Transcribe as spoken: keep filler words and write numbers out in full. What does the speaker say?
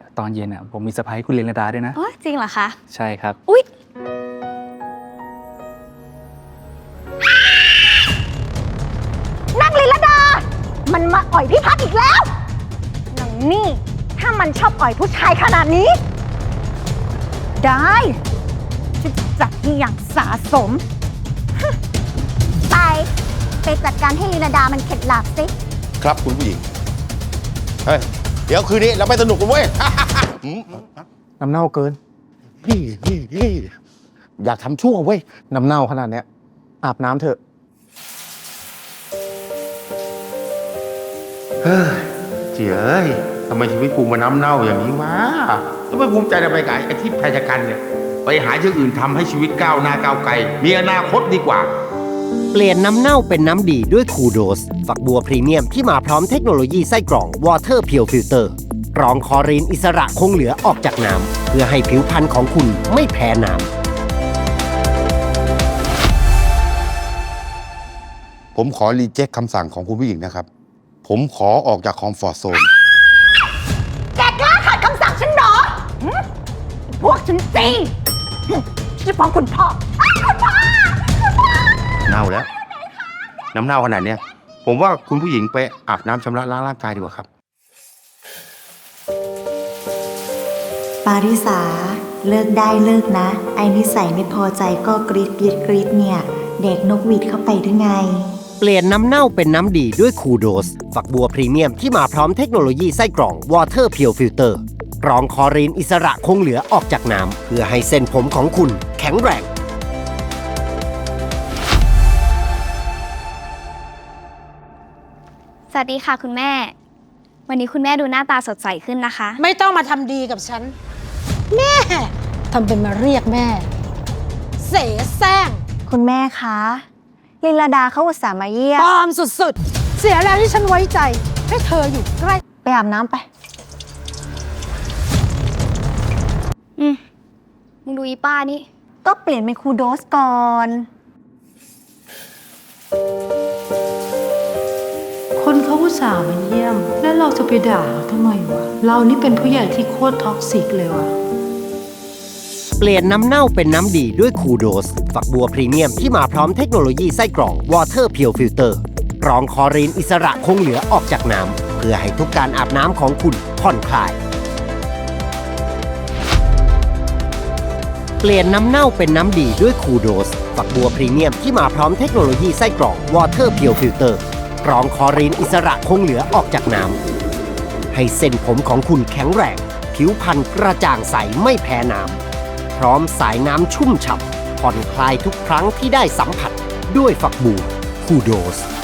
ตอนเย็นอ่ะผมมีเซอร์ไพรส์คุณลินดาด้วยนะอ๋อจริงเหรอคะใช่ครับอุ๊ยนางลิลดามันมาอ่อยพี่พัดอีกแล้วนางนี่ถ้ามันชอบอ่อยผู้ชายขนาดนี้ได้จะจัดที่อย่างสาสมไปไปจัดการให้ลิลดามันเข็ดหลาบสิครับคุณผู้หญิงเฮ้ยเดี๋ยวคืนนี้เราไปสนุกกันเว้ยน้ำเน่าเกินนี่นี่นี่อยากทำชั่วเว้ยน้ำเน่าขนาดเนี้ยอาบน้ำเถอะเฮ้ยเจ๋ยทำไมชีวิตกูมาน้ำเน่าอย่างนี้วะแล้วไม่ภูมิใจในไปกับไอ้ที่แพชกันเนี่ยไปหาอย่างอื่นทำให้ชีวิตก้าวหน้าก้าวไกลมีอนาคตดีกว่าเปลี่ยนน้ำเน่าเป็นน้ำดีด้วยคูโดสฝักบัวพรีเมียมที่มาพร้อมเทคโนโลยีไส้กรอง Water Pure Filter กรองคลอรีนอิสระคงเหลือออกจากน้ำเพื่อให้ผิวพรรณของคุณไม่แพ้น้ำผมขอรีเจ็คคำสั่งของคุณผู้หญิงนะครับผมขอออกจากคอมฟอร์ทโซนแกกล้าขัดคำสั่งฉันเหรอพวกฉันจีฉันจะฟ้องคุณพ่อคุณพ่อคุณพ่อเน่าแล้วน้ำเน่าขนาดเนี้ยผมว่าคุณผู้หญิงไปอาบน้ำชำระล้างร่างกายดีกว่าครับปาริสาเลิกได้เลิกนะไอ้นิสัยไม่พอใจก็กรีดกรีดกรีดเนี่ยเด็กนกหวีดเข้าไปหรือไงเปลี่ยนน้ำเน่าเป็นน้ำดีด้วยคูโดสฝักบัวพรีเมียมที่มาพร้อมเทคโนโลยีไส้กรอง Water Pure Filter กรองคลอรีนอิสระคงเหลือออกจากน้ำเพื่อให้เส้นผมของคุณแข็งแรงสวัสดีค่ะคุณแม่วันนี้คุณแม่ดูหน้าตาสดใสขึ้นนะคะไม่ต้องมาทำดีกับฉันแม่ทำเป็นมาเรียกแม่เสแสร้งคุณแม่คะลิลดาเขาอุตส่าห์มาเยี่ยมปลอมสุดๆเสียแล้วที่ฉันไว้ใจให้เธออยู่ใกล้ไปอาบน้ำไปอืมมึงดูอีป้านี่ก็เปลี่ยนเป็นคูโดสก่อนคนเขาอุตส่าห์มาเยี่ยมแล้วเราจะไปด่าเขาทำไมวะเรานี่เป็นผู้ใหญ่ที่โคตรท็อกซิกเลยวะเปลี่ยนน้ำเน่าเป็นน้ำดีด้วยคูโดสฝักบัวพรีเมียมที่มาพร้อมเทคโนโลยีไส้กรอง Water Pure Filter กรองคลอรีนอิสระคงเหลือออกจากน้ำเพื่อให้ทุกการอาบน้ำของคุณผ่อนคลายเปลี่ยนน้ำเน่าเป็นน้ำดีด้วยคูโดสฝักบัวพรีเมียมที่มาพร้อมเทคโนโลยีไส้กรอง Water Pure Filter กรองคลอรีนอิสระคงเหลือออกจากน้ำให้เส้นผมของคุณแข็งแรงผิวพรรณกระจ่างใสไม่แพ้น้ำพร้อมสายน้ำชุ่มฉ่ำผ่อนคลายทุกครั้งที่ได้สัมผัสด้วยฝักบัวคูโดส